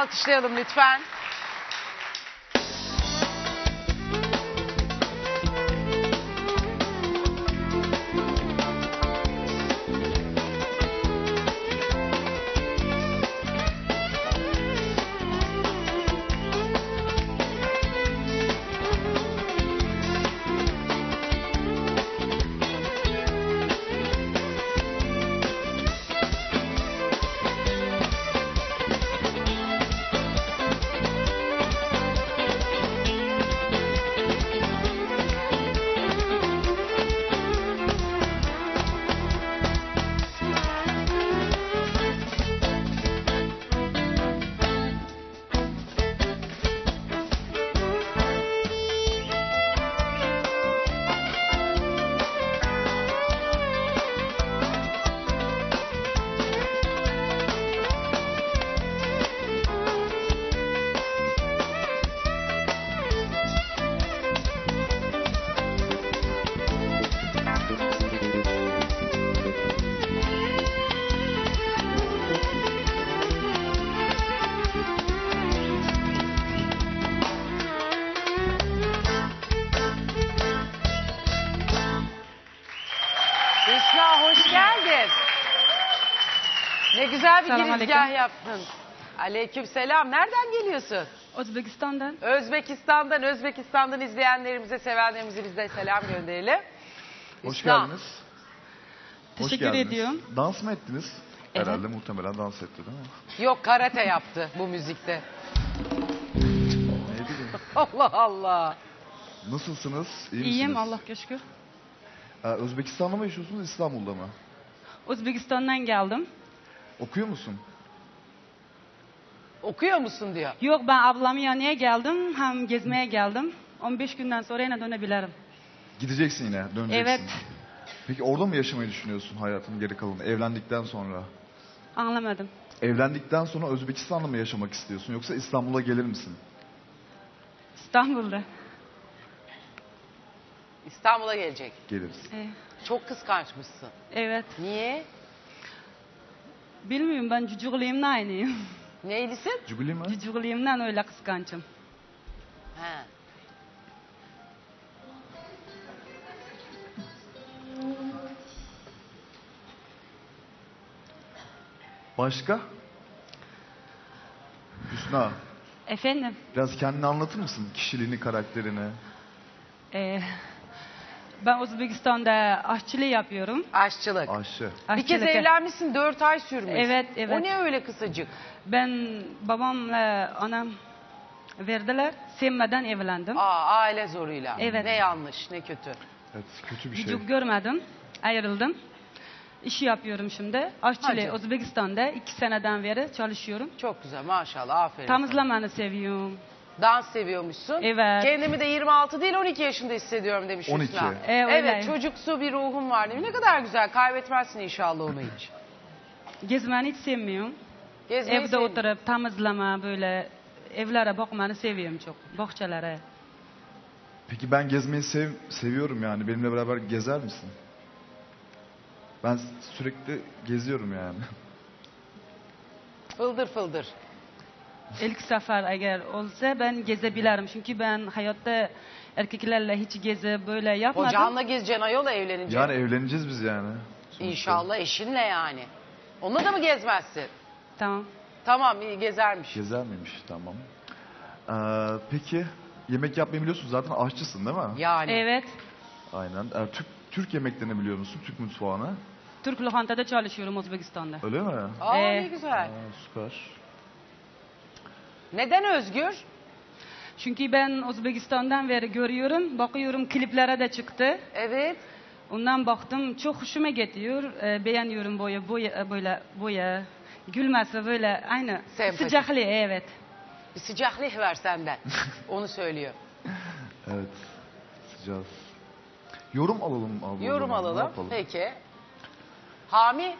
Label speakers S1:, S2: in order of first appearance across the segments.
S1: alkışlayalım lütfen. Hüsna hoş geldin. Ne güzel bir
S2: Selam
S1: girizgah
S2: aleyküm.
S1: yaptın. Aleykümselam. Nereden geliyorsun?
S2: Özbekistan'dan.
S1: Özbekistan'dan izleyenlerimize, sevenlerimize biz de selam gönderelim.
S3: Hoş
S1: Hüsna.
S3: geldiniz. Hoş
S2: Teşekkür
S3: geldiniz.
S2: ediyorum.
S3: Dans mı ettiniz?
S2: Evet.
S3: Herhalde muhtemelen dans etti değil mi?
S1: Yok, karate yaptı bu müzikte.
S3: Ne bileyim.
S1: Allah Allah.
S3: Nasılsınız? İyi
S2: İyiyim
S3: misiniz?
S2: Allah şükür.
S3: Özbekistan'da mı yaşıyorsunuz, İstanbul'da mı?
S2: Özbekistan'dan geldim.
S3: Okuyor musun?
S1: Okuyor musun diyor.
S2: Yok, ben ablamın yanına geldim. Hem gezmeye geldim. 15 günden sonra yine dönebilirim.
S3: Gideceksin yine, döneceksin.
S2: Evet.
S3: Peki orada mı yaşamayı düşünüyorsun hayatın geri kalanını, evlendikten sonra?
S2: Anlamadım.
S3: Evlendikten sonra Özbekistan'da mı yaşamak istiyorsun, yoksa İstanbul'a gelir misin?
S2: İstanbul'da.
S1: İstanbul'a gelecek.
S3: Geliriz.
S1: Çok kıskançmışsın.
S2: Evet.
S1: Niye?
S2: Bilmiyorum, ben cücüğlüğümden aynıyım.
S1: Neylisin?
S3: Cübili mi?
S2: Cücüğlüğümden öyle kıskançım.
S1: He.
S3: Başka? Hüsna,
S2: Efendim?
S3: biraz kendini anlatır mısın? Kişiliğini, karakterini.
S2: Ben Özbekistan'da aşçılık yapıyorum.
S1: Aşçılık.
S3: Ayşe.
S1: Bir kez
S2: Aşçılık.
S1: evlenmişsin, 4 ay sürmüş.
S2: Evet, evet.
S1: O ne öyle kısacık?
S2: Ben babamla anam verdiler. Sevmeden evlendim.
S1: Aile zoruyla.
S2: Evet.
S1: Ne yanlış, ne kötü.
S3: Evet, kötü bir şey.
S2: Çocuk görmedim. Ayrıldım. İşi yapıyorum şimdi. Aşçılığı
S1: Hadi.
S2: Özbekistan'da 2 seneden beri çalışıyorum.
S1: Çok güzel, maşallah, aferin.
S2: Temizlemeyi seviyorum.
S1: Dans seviyormuşsun.
S2: Evet.
S1: Kendimi de 26 değil 12 yaşında hissediyorum demiş
S3: 12.
S1: Hüsna.
S2: Öyle.
S1: Evet, çocuksu bir ruhum var demiş. Ne kadar güzel, kaybetmezsin inşallah onu hiç.
S2: Gezmeyi hiç sevmiyorum.
S1: Gezmeyi
S2: Evde
S1: seviyorum.
S2: oturup temizleme, böyle evlere bakmayı seviyorum çok. Bahçelere.
S3: Peki ben gezmeyi seviyorum yani. Benimle beraber gezer misin? Ben sürekli geziyorum yani.
S1: Fıldır fıldır.
S2: İlk sefer eğer olsa ben gezebilirim. Çünkü ben hayatta erkeklerle hiç gezi böyle yapmadım.
S1: Kocanla gezeceksin ayol, evlenince.
S3: Yani evleneceğiz biz yani. Sonuçta.
S1: İnşallah eşinle yani. Onunla da mı gezmezsin?
S2: Tamam.
S1: Tamam, iyi gezermiş.
S3: Gezer miymiş? Tamam. Peki yemek yapmayı biliyorsun, zaten aşçısın değil mi?
S1: Yani.
S2: Evet.
S3: Aynen. Türk yemeklerini biliyor musun? Türk mutfağını.
S2: Türk lokantada çalışıyorum Özbekistan'da.
S3: Öyle mi?
S1: Ne güzel.
S3: Süper.
S1: Neden Özgür?
S2: Çünkü ben Özbekistan'dan beri görüyorum, bakıyorum kliplere de çıktı.
S1: Evet.
S2: Ondan baktım, çok hoşuma gidiyor. Beğeniyorum boya, gülmesi böyle aynı.
S1: Sempatik.
S2: Sıcaklığı, evet.
S1: Bir sıcaklık ver senden. Onu söylüyor.
S3: Evet. Sıcağız. Yorum alalım. Abla,
S1: Yorum
S3: o zaman. Ne
S1: alalım.
S3: yapalım?
S1: Peki. Hami?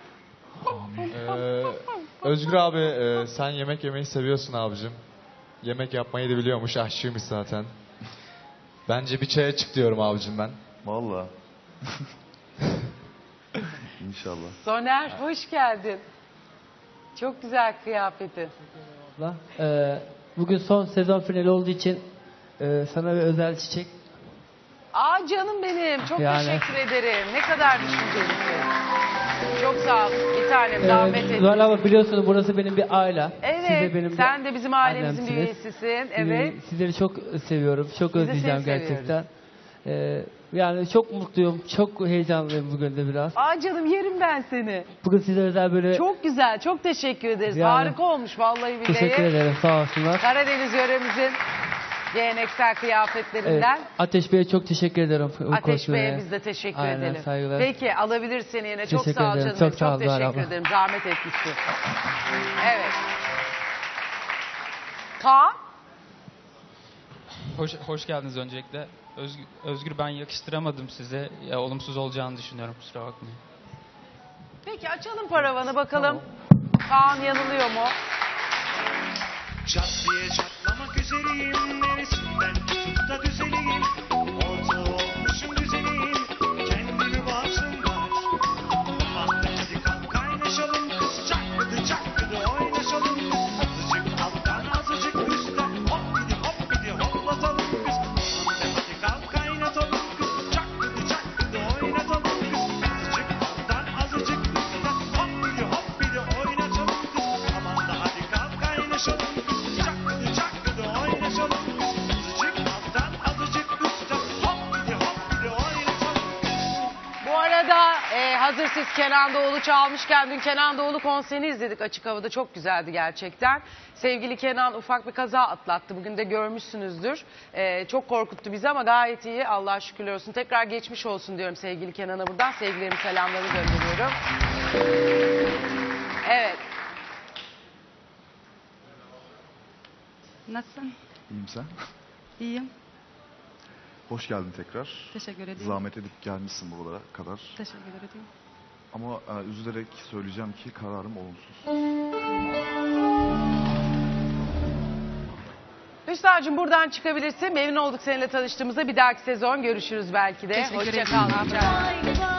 S4: Özgür abi sen yemek yemeyi seviyorsun abicim. Yemek yapmayı da biliyormuş, aşçıymış zaten. Bence bir çaya çık diyorum abicim ben.
S3: Vallahi. İnşallah.
S1: Soner, hoş geldin. Çok güzel kıyafetin.
S5: abla. Bugün son sezon finali olduğu için sana bir özel çiçek.
S1: Aa canım benim. Çok
S5: Yani-
S1: teşekkür ederim. Ne kadar düşüncelisin. Çok sağ ol. Bir tanem zahmet ettin.
S5: Zuhal abla biliyorsunuz burası benim bir aile.
S1: Evet.
S5: Siz de benim
S1: Sen de bizim ailemizin bir
S5: annemsiniz.
S1: üyesisin. Evet.
S5: Sizleri çok seviyorum. Çok
S1: Biz de
S5: özleyeceğim
S1: seni
S5: gerçekten. Yani çok mutluyum. Çok heyecanlıyım bugün de biraz.
S1: Aa canım yerim ben seni.
S5: Bugün size özel böyle
S1: Çok güzel. Çok teşekkür ederiz.
S5: Yani-
S1: Harika olmuş vallahi billahi.
S5: teşekkür ederim. Sağ olsunlar.
S1: Karadeniz yöremizin geleneksel kıyafetlerinden.
S5: Ateş Bey'e çok teşekkür ederim. bu
S1: Ateş
S5: kostüme.
S1: Bey'e biz de teşekkür
S5: Aynen,
S1: edelim.
S5: saygılar.
S1: Peki alabilir seni yine. Çok
S5: Teşekkür
S1: sağ ol
S5: ederim.
S1: canım.
S5: Çok sağ ol Zuhal
S1: teşekkür
S5: abla.
S1: ederim. Zahmet etmişsin. Evet. Kaan?
S6: Hoş geldiniz öncelikle. Özgür ben yakıştıramadım size. Ya, olumsuz olacağını düşünüyorum, kusura bakmayın.
S1: Peki açalım paravanı bakalım. Kaan yanılıyor mu?
S7: Çat diye çatlamak üzereyim. Neresinden tutup da düzeleyim. Ortağı olmuşum düzeneyim. Kendimi bağımsınlar. Mahta hadi kalk kaynaşalım kız. Çakkıdı oynaşalım kız. Azıcık alttan azıcık üstten. Hop bidi hoplatalım kız. Mahta hadi kalk kaynatalım kız. Çakkıdı oynatalım kız. Azıcık alttan azıcık üstten. Hop bidi oynatalım kız. Aman da hadi kalk kaynaşalım kız. Çakkıdı oynaşalım kız. Azıcık alttan azıcık üstten. Hop bidi oynatalım kız.
S1: Bu arada hazır siz Kenan Doğulu çalmışken dün Kenan Doğulu konserini izledik açık havada. Çok güzeldi gerçekten. Sevgili Kenan ufak bir kaza atlattı. Bugün de görmüşsünüzdür. Çok korkuttu bizi ama gayet iyi. Allah'a şükürler olsun. Tekrar geçmiş olsun diyorum sevgili Kenan'a buradan. Sevgilerimi, selamlarımı gönderiyorum. Evet.
S2: Nasılsın?
S3: İyiyim sen.
S2: İyiyim.
S3: Hoş geldin tekrar.
S2: Teşekkür ederim.
S3: Zahmet edip gelmişsin buralara kadar.
S2: Teşekkür ederim.
S3: Ama üzülerek söyleyeceğim ki kararım olumsuz.
S1: Hüsna'cığım buradan çıkabilirsin. Memnun olduk seninle tanıştığımızda. Bir dahaki sezon görüşürüz belki de.
S2: Teşekkür
S1: Hoşça
S2: ederim.
S1: kal.
S8: Bye bye.